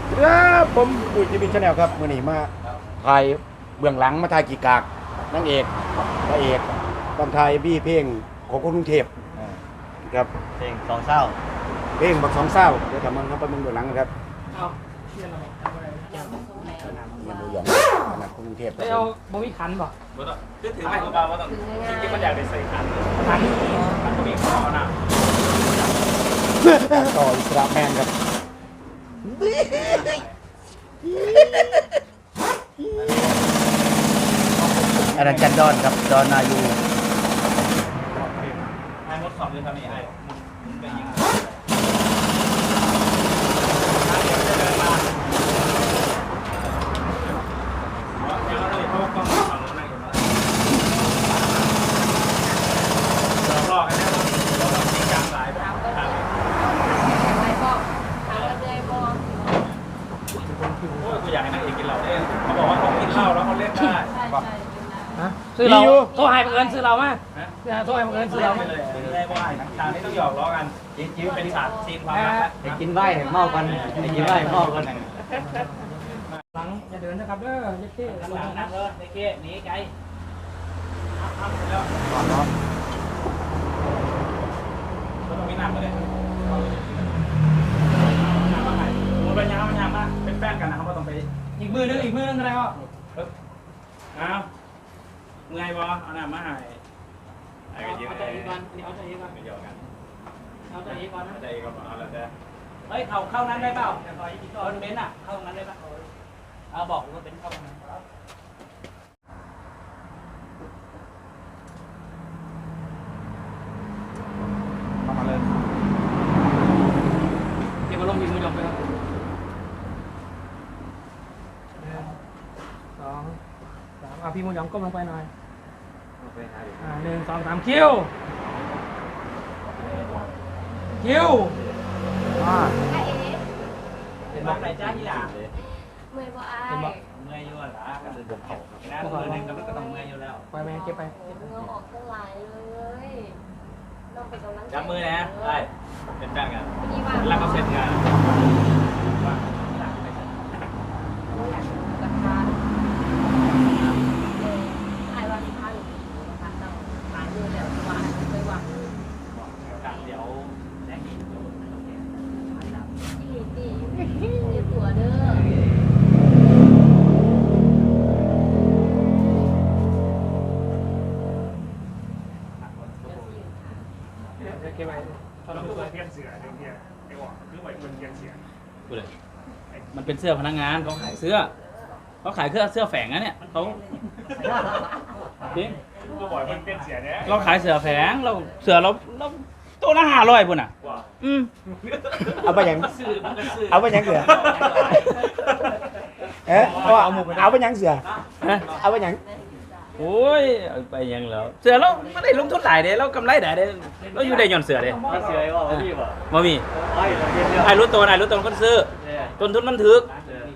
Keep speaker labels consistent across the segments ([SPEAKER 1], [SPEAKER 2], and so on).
[SPEAKER 1] ครับผมปุ้ยจีบินชาแนลครับมื่อนี้มาถ่ายเบื้องหลังมาถ่ายกีกากนางเอกพระเอกตอนถ่ายบี้เพลงของคนกรุงเทพครับ
[SPEAKER 2] เพลงสองเศร้า
[SPEAKER 1] เพลงบักสองเศร้าเดี๋ยวทำมันเข้าไปเบื้องหลังนะครับมันดูหยองนักกรุงเทพ
[SPEAKER 3] เอาบ่มีขันบ่
[SPEAKER 4] บ่ต้องคือถือไม่ของเราว่าต้องจริงๆมันอยากได้ใส่ขันขันก็มีข้อนะ
[SPEAKER 1] ต่ออิสระแมนครับอาจารย์จันดอนครับดอนนายู
[SPEAKER 4] ไอ้มดสอบเลยทำนี่ไอ้มึงไปยิงกูอยากให้นางเอกกินเหล้าเล่นเขาบอกว่าเขากินเหล้าแล้วเขาเล่นได้
[SPEAKER 3] ซื้อเราโทรให้บังเอิญซื้อเรามาโทรให้บังเอิญซื้อเรามา
[SPEAKER 4] เลยว่าฉากนี้ต้องหยอกล้อกันจิ้มเป็นฉากซีนความรัก
[SPEAKER 2] ให้กินไว้ให้เมากันให้กินไว้ให้เมากัน
[SPEAKER 3] หลังอย่าเดินนะครับเด้อเจ๊เจ๊
[SPEAKER 4] หลังนั่งเลยเก๊หนีไกลต้องมีหนักเลยมันเป็นยังมากเป็นแป้งกันนะครับว่าต้องไป
[SPEAKER 3] อีกมือนึงอะไรวะ
[SPEAKER 4] เอาเมื่อยบอเอาหน้ามาให้ไอ้กันยืน
[SPEAKER 3] เอาใจอีกก่อนเอาใจอีกก่อน
[SPEAKER 4] ไม่เดียวกัน
[SPEAKER 3] เอาใจอีกก่อนนะ
[SPEAKER 4] ใจก็เอาแล้วแต่
[SPEAKER 3] เฮ้ยเข้านั้นได้เปล่าคนเบนอ่ะเข้านั้นได้ป่ะเอาบอกว่าเป็นเข้านั้น
[SPEAKER 4] เข้ามาเลย
[SPEAKER 3] เดี๋ยวมาลงยิงมือยกไปครับ1 2 3เอาพี่มือยองก้มลงไปหน่อย1 2 3คิวเป็นบอกไหนจ้าที่หลัง
[SPEAKER 5] เมื่อยบ่อาย
[SPEAKER 3] เป็นบอก
[SPEAKER 4] เมื่อยอยู่หรอกันเลยผมเขานะมือหนึ่งก็ต้องเมื่อยอยู่แล้ว
[SPEAKER 3] ไปไหมเก็บไป
[SPEAKER 5] เหงื่อออกตั้งหลายเลยเราไปกำลังใจ
[SPEAKER 4] จับมือนะได้เป็นแป้งกัน
[SPEAKER 5] พี่ว่า
[SPEAKER 4] แล้วก็เสร็จงาน
[SPEAKER 5] ราคาอายวันที่พันนะคะต้องหายเลยแล้วว่าเคยว่า
[SPEAKER 4] เดี๋ยวแรงอีก
[SPEAKER 5] ดีมีตัวเด้อ
[SPEAKER 3] เก็บไป
[SPEAKER 6] เราคือเพี้ยนเสือเนี่ยไอ้หว่าคือไหวคนเพี้ยนเสือ
[SPEAKER 4] พูดเลยมันเป็นเสื้อพนักงานเขาขายเสื้อเขาขายเสื้อแฝงนะเนี่ยเขาจริง
[SPEAKER 6] ก็บ่อยมันเพี้ยนเสือเนี่ย
[SPEAKER 4] เราขายเสื้อแฝงเราเสื้อเราตัวละ500ปุ่นอ่ะ
[SPEAKER 6] ว่า
[SPEAKER 1] เอาไปยัง
[SPEAKER 4] ซื้อมันก็ซื้อ
[SPEAKER 1] เอาไปยังเสือเอาไปยังเสือเอาไปยัง
[SPEAKER 4] โอ้ยเอาไปยังแล้วเสือเราไม่ได้ลงทุนหลายเด้เรากำไรหลายเด้เราอยู่ได้ย่อนเสือเด้
[SPEAKER 2] มาเสือไอ้ว่าพี่บ่
[SPEAKER 4] บ่มี
[SPEAKER 2] ไอ้เราเพี้ยนเยอะ
[SPEAKER 4] ไอ้รู้ตัวคนซื้อต้นทุนมันถึก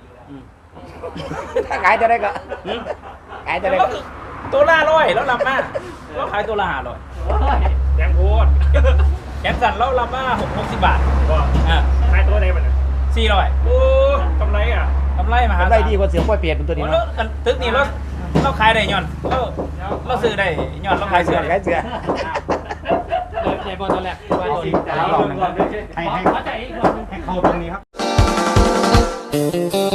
[SPEAKER 1] ถ้าขายจะได้ก็ขายจะได้
[SPEAKER 4] แล้ว
[SPEAKER 1] ก็
[SPEAKER 4] ก็ตัวละ100แล้วรับมาเราขายตัวละ500
[SPEAKER 6] แดงโพด
[SPEAKER 4] แขนสั่นเรารับมา60 บาท
[SPEAKER 6] ว่า
[SPEAKER 4] อ่า
[SPEAKER 6] ขายตัวไหนมัน
[SPEAKER 4] 400โอ้
[SPEAKER 6] กำไรอ่ะ
[SPEAKER 4] กำไรมหาศาล
[SPEAKER 1] ได้ดีกว่าเสือปล่อยเปลี่ยนเป็นตัวนี้
[SPEAKER 4] แล้
[SPEAKER 1] เนาะ
[SPEAKER 4] วถึกนี่เราขายได้ย่อนเราซื้อได้ย่อนเราขายเสือ
[SPEAKER 1] ขายเสือ
[SPEAKER 3] ใจบอลตอนแรกว่าโดน
[SPEAKER 2] จ่ายเงินก่อนด้วย
[SPEAKER 1] ให้
[SPEAKER 3] เข้าใจอีกรอบนึง
[SPEAKER 1] เข้าตรงนี้ครับ